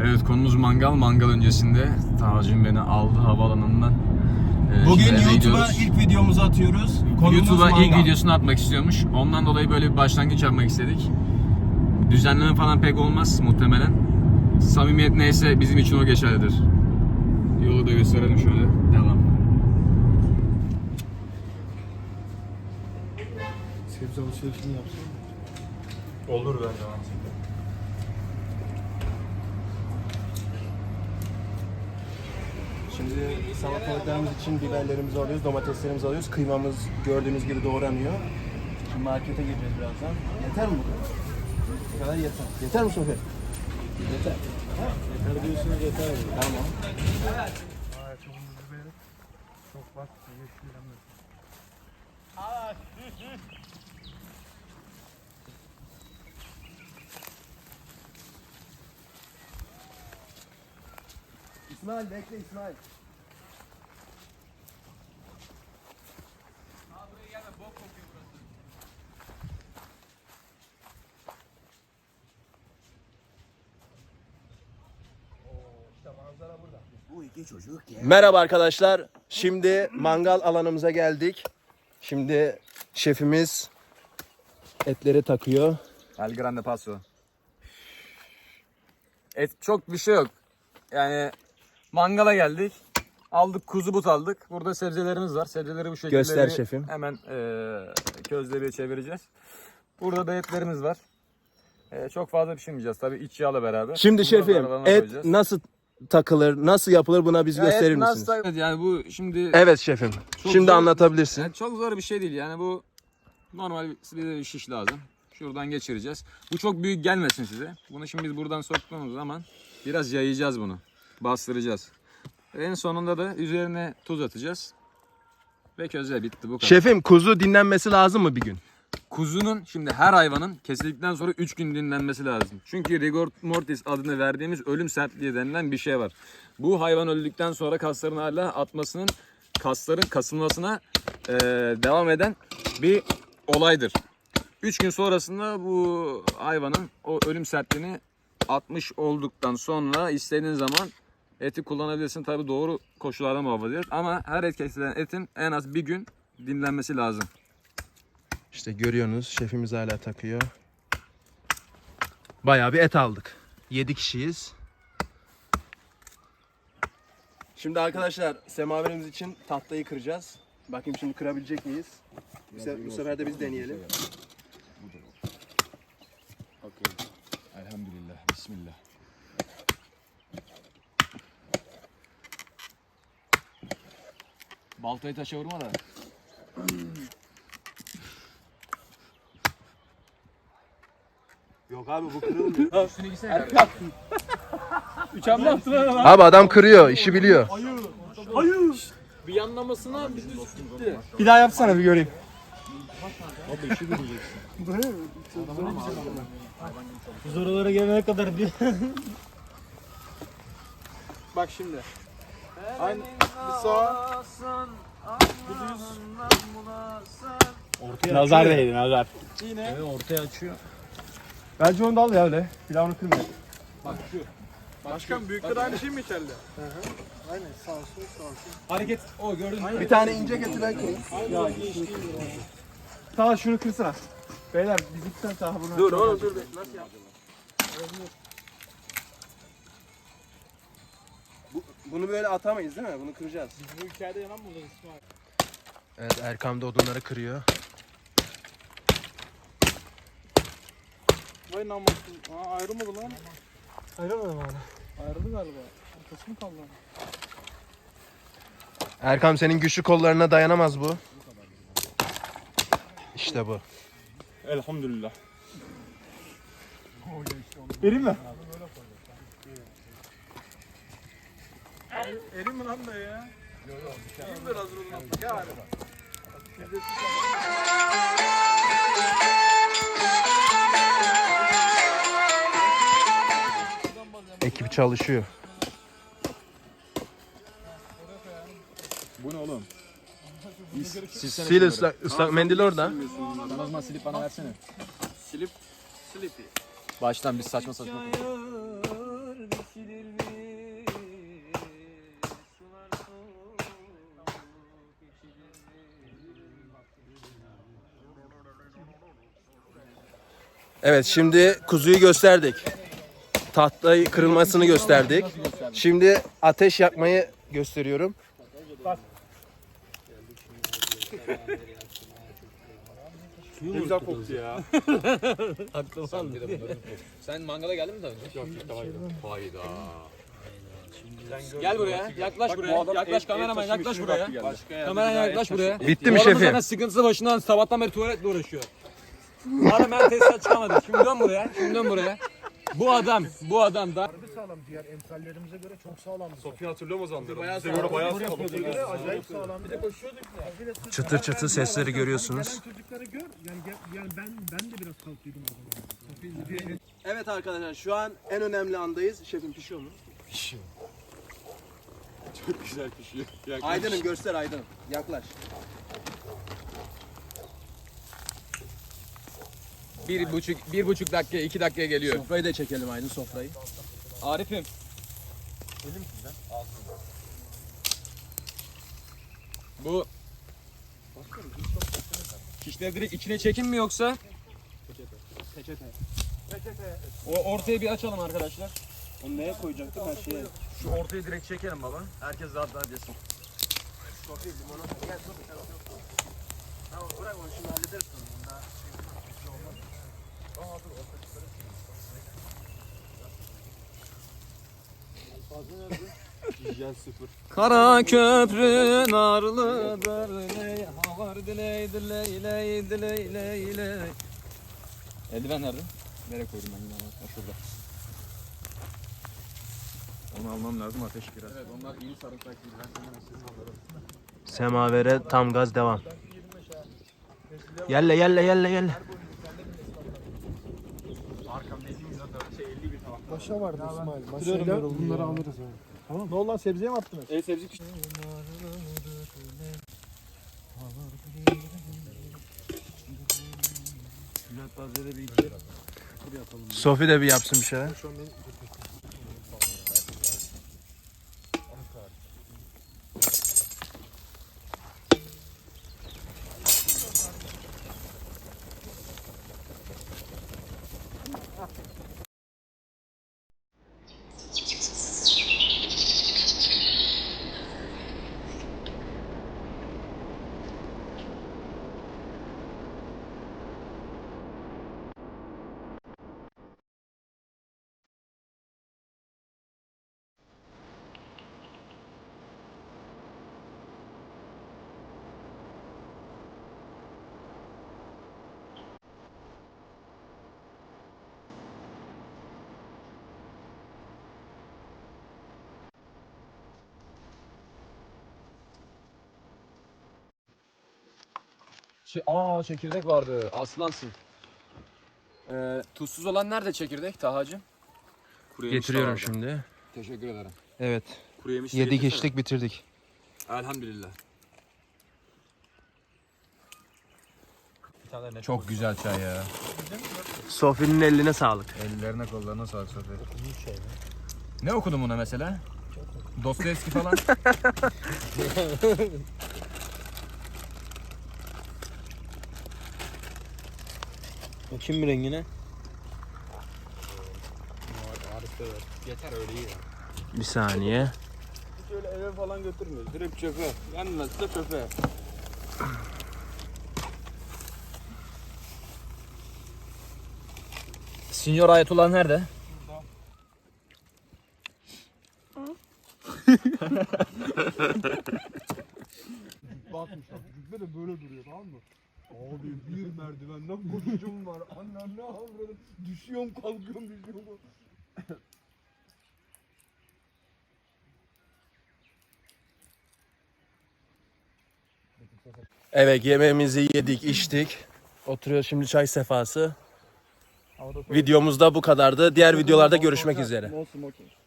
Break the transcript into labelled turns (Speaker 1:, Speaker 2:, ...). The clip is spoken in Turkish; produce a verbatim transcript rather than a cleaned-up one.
Speaker 1: Evet, konumuz mangal. Mangal öncesinde Tacım beni aldı havaalanından. Ee,
Speaker 2: Bugün YouTube'a ilk videomuzu atıyoruz.
Speaker 1: YouTube'a ilk
Speaker 2: mangal.
Speaker 1: videosunu atmak istiyormuş. Ondan dolayı böyle bir başlangıç yapmak istedik. Düzenleme falan pek olmaz muhtemelen. Samimiyet neyse bizim için o geçerlidir. Yolu da gösterelim şöyle. Devam.
Speaker 2: Sebze alışverişini yapsın.
Speaker 3: Olur bence mantıklı.
Speaker 2: Şimdi salatalıklarımız için biberlerimizi alıyoruz, domateslerimizi alıyoruz. Kıymamız gördüğünüz gibi doğranıyor. Şimdi markete gireceğiz birazdan. Yeter mi bu kadar? Bu kadar yeter. Yeter mi Sofi? Yeter. Yeter diyorsunuz, yeter. Tamam. Çok bak, İsmail bekle İsmail. Merhaba arkadaşlar. Şimdi mangal alanımıza geldik. Şimdi şefimiz etleri takıyor.
Speaker 1: El grande paso. Et çok bir şey yok. Yani mangala geldik. Aldık, kuzu but aldık. Burada sebzelerimiz var. Sebzeleri bu şekilde
Speaker 2: Göster şefim.
Speaker 1: Hemen e, közlemeye çevireceğiz. Burada da etlerimiz var. E, çok fazla pişirmeyeceğiz tabii, iç yağla beraber.
Speaker 2: Şimdi
Speaker 1: Bunları
Speaker 2: şefim
Speaker 1: aralarına
Speaker 2: et
Speaker 1: koyacağız.
Speaker 2: nasıl takılır, nasıl yapılır buna biz
Speaker 1: Ya
Speaker 2: gösterir
Speaker 1: et nasıl
Speaker 2: misiniz?
Speaker 1: tak- Yani bu şimdi
Speaker 2: Evet şefim.
Speaker 1: Çok
Speaker 2: Şimdi
Speaker 1: zor-
Speaker 2: anlatabilirsin.
Speaker 1: yani çok zor bir şey değil. Yani bu normal bir bir şiş lazım. Şuradan geçireceğiz. Bu çok büyük gelmesin size. Bunu şimdi biz buradan soktuğumuz zaman biraz yayacağız bunu. Bastıracağız. En sonunda da üzerine tuz atacağız. Ve közle bitti, bu kadar.
Speaker 2: Şefim kuzu dinlenmesi lazım mı bir gün?
Speaker 1: Kuzunun, şimdi her hayvanın kesildikten sonra üç gün dinlenmesi lazım. Çünkü rigor mortis adını verdiğimiz ölüm sertliği denilen bir şey var. Bu hayvan öldükten sonra kasların hala atmasının, kasların kasılmasına e, devam eden bir olaydır. üç gün sonrasında bu hayvanın o ölüm sertliğini atmış olduktan sonra istediğin zaman eti kullanabilirsin. Tabii doğru koşullarda muhafaza et. Ama her et kesilen etin en az bir gün dinlenmesi lazım.
Speaker 2: İşte görüyorsunuz şefimiz hala takıyor. Bayağı bir et aldık. yedi kişiyiz. Şimdi arkadaşlar semaverimiz için tahtayı kıracağız. Bakayım şimdi kırabilecek miyiz? Bu sefer, bu sefer de biz deneyelim.
Speaker 1: Elhamdülillah. Bismillah. Baltayı taşa vurma da.
Speaker 2: Yok abi bu kırılmıyor.
Speaker 1: Üstüne gitsene.
Speaker 2: Abi adam kırıyor, işi biliyor.
Speaker 1: Bir yanlamasına bir düz gitti.
Speaker 3: Bir daha yapsana bir göreyim.
Speaker 4: Biz oralara gelene kadar bir...
Speaker 3: Bak şimdi. Aynı bir sağa.
Speaker 4: Nazar değdi, nazar.
Speaker 3: Yine.
Speaker 1: Ortaya açıyor.
Speaker 3: Bence onu da al ya öyle. Pilavını kırma.
Speaker 1: Bak şu.
Speaker 3: Başkan büyükler aynı şey mi içeride?
Speaker 1: Hareket. O gördün mü?
Speaker 2: Bir tane ince getir ben kırayım.
Speaker 3: Sağ şunu kırsana. Beyler biz iki tane daha bunu.
Speaker 2: Dur oğlum dur. Nasıl yap? Bu, bunu böyle atamayız değil mi? Bunu kıracağız.
Speaker 4: Bu hikayede yanan burada İsmail.
Speaker 2: Evet Erkam da odunları kırıyor.
Speaker 3: Vay namussuz. Aa ayrılmadı lan.
Speaker 4: Ayrılmadım hala.
Speaker 3: Ayrıldı galiba. Ortası mı kaldı?
Speaker 2: Erkam senin güçlü kollarına dayanamaz bu. İşte bu.
Speaker 3: Elhamdülillah. Vereyim mi? Erim mi lan da ya? Yok yok. İyi biraz ruhunu atmak ya.
Speaker 2: Ekip çalışıyor.
Speaker 1: Bu ne oğlum? Silsene
Speaker 2: Sil ıslak, ıslak mendil orada.
Speaker 1: Sen o zaman silip bana versene.
Speaker 3: Silip. Slippy.
Speaker 1: Baştan biz saçma saçma.
Speaker 4: Çayır,
Speaker 2: Evet, şimdi kuzuyu gösterdik. Tahtayı kırılmasını gösterdik. Şimdi ateş yakmayı gösteriyorum.
Speaker 3: Ne güzel koktu ya.
Speaker 1: Sen mangala geldin mi daha önce?
Speaker 3: Yok yok tamam. Hayda.
Speaker 1: Gel buraya. Yaklaş buraya. Yaklaş kameraman yaklaş buraya. Kameraman yaklaş buraya.
Speaker 2: Bitti mi
Speaker 1: Bu adamın
Speaker 2: şefim?
Speaker 1: zaten sıkıntısı başından sabahtan beri tuvaletle uğraşıyor. Hala ben testten çıkamadım. Şimdi dön buraya. Şimdi dön buraya. Bu adam, bu adam da
Speaker 5: sağlam. Diğer emsallerimize göre çok sağlam.
Speaker 3: Sofya hatırlıyor musun zamanları? Bize göre bayağı sağlam.
Speaker 5: Acayip sağlam. Bir de koşuyorduk ya.
Speaker 2: Çıtır çıtır sesleri görüyorsunuz.
Speaker 5: Çocukları gör. Yani, yani ben ben de biraz kalktıydım o zaman.
Speaker 2: Evet arkadaşlar, şu an en önemli andayız. Şefim pişiyor mu?
Speaker 3: Çok güzel pişiyor. Yaklaş.
Speaker 2: Aydın'ım göster Aydın'ım. Yaklaş.
Speaker 1: bir buçuk, bir buçuk dakika, iki dakikaya geliyor.
Speaker 2: Sofrayı da çekelim Aydın, sofrayı.
Speaker 1: Arif'im. Bu şişleri direkt içine çekin mi yoksa?
Speaker 2: Peçete.
Speaker 1: O ortaya bir açalım arkadaşlar.
Speaker 2: Onu neye koyacaktım her şeye?
Speaker 1: Şu ortaya direkt çekelim baba. Herkes rahat rahat yesin.
Speaker 2: Tamam bırak onu, şimdi hallederiz.
Speaker 3: Hijyen sıfır.
Speaker 1: Kara köprü narlıdır, ley havar diley diley ley diley ley ley. Eldiven nerede? Nereye koydum ben yine? Ha, şurada. Onu almam lazım, ateş biraz. Evet, onlar iyi sarımsak değil. Ben sana sizin alırım.
Speaker 2: Semavere tam gaz devam. Yelle yelle yelle yelle.
Speaker 5: Paşa vardı İsmail. Maşayla bunları alırız yani. Tamam. Ne oldu lan, sebzeye mi attınız?
Speaker 3: E sebze pişti.
Speaker 2: Sofi de bir yapsın bir şeyler.
Speaker 1: Şey, aa çekirdek vardı. Aslansın. Ee, tuzsuz olan nerede çekirdek Tahacığım? Kuru yemiş de
Speaker 2: Getiriyorum
Speaker 1: vardı.
Speaker 2: şimdi.
Speaker 1: Teşekkür ederim.
Speaker 2: Evet.
Speaker 1: Kuru yemiş de
Speaker 2: Yedik
Speaker 1: getirsene.
Speaker 2: içtik bitirdik.
Speaker 1: Elhamdülillah.
Speaker 2: Çok güzel çay ya. Sofi'nin eline sağlık.
Speaker 1: Ellerine kollarına sağlık Sofi. Ne okudun buna mesela? Dostoyevski falan.
Speaker 4: Bakayım bir rengine.
Speaker 3: Yeter öyle iyi ya.
Speaker 2: Bir saniye.
Speaker 3: Hiç öyle eve falan götürmüyoruz. Direkt çöpe. Yenmezse çöpe.
Speaker 1: Sinyor Ayetullah nerede?
Speaker 5: Bakmışlar. Cübbe de böyle duruyor, tamam mı? Abi bir merdivenden koşucum var. Annem ne avradım. Düşüyorum kalkıyorum düşüyorum.
Speaker 2: Evet, yemeğimizi yedik içtik. Oturuyoruz şimdi, çay sefası. Videomuz da bu kadardı. Diğer videolarda görüşmek üzere.
Speaker 5: No smoking.